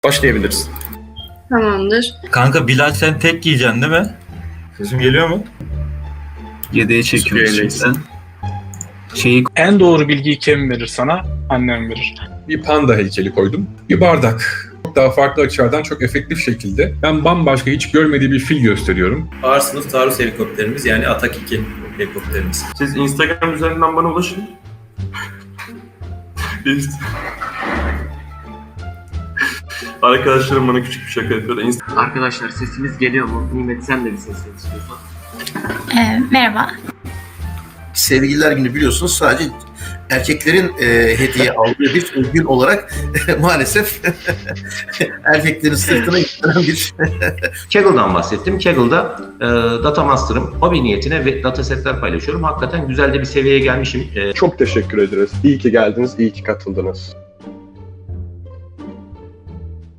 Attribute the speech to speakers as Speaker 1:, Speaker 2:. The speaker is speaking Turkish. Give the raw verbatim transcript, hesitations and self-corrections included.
Speaker 1: Başlayabiliriz.
Speaker 2: Tamamdır.
Speaker 3: Kanka Bilal sen tek giyeceksin değil mi? Sesim geliyor mu?
Speaker 4: Yedeğe çekiyoruz
Speaker 1: Yedeksin.
Speaker 4: şimdi. Şeyi
Speaker 5: En doğru bilgiyi kim verir sana? Annem verir.
Speaker 6: Bir panda heykeli koydum. Bir bardak. Çok daha farklı açılardan çok efektif şekilde ben bambaşka hiç görmediği bir fil gösteriyorum.
Speaker 7: Ağır sınıf taarruz helikopterimiz yani Atak iki helikopterimiz.
Speaker 1: Siz Instagram üzerinden bana ulaşın. Biz... Arkadaşlarım bana küçük bir şaka yapıyor da Inst-
Speaker 8: Arkadaşlar sesimiz geliyor mu? Nimet sen de bir ses istiyorsan.
Speaker 9: Ee, merhaba.
Speaker 10: Sevgililer Günü biliyorsunuz sadece erkeklerin e, hediye aldığı bir gün olarak maalesef erkeklerin sırtına yüklenen bir...
Speaker 8: Kaggle'dan bahsettim. Kaggle'da e, Data Master'ım. Hobi niyetine ve datasetler paylaşıyorum. Hakikaten güzel de bir seviyeye gelmişim. E,
Speaker 11: Çok teşekkür ederiz. İyi ki geldiniz, iyi ki katıldınız.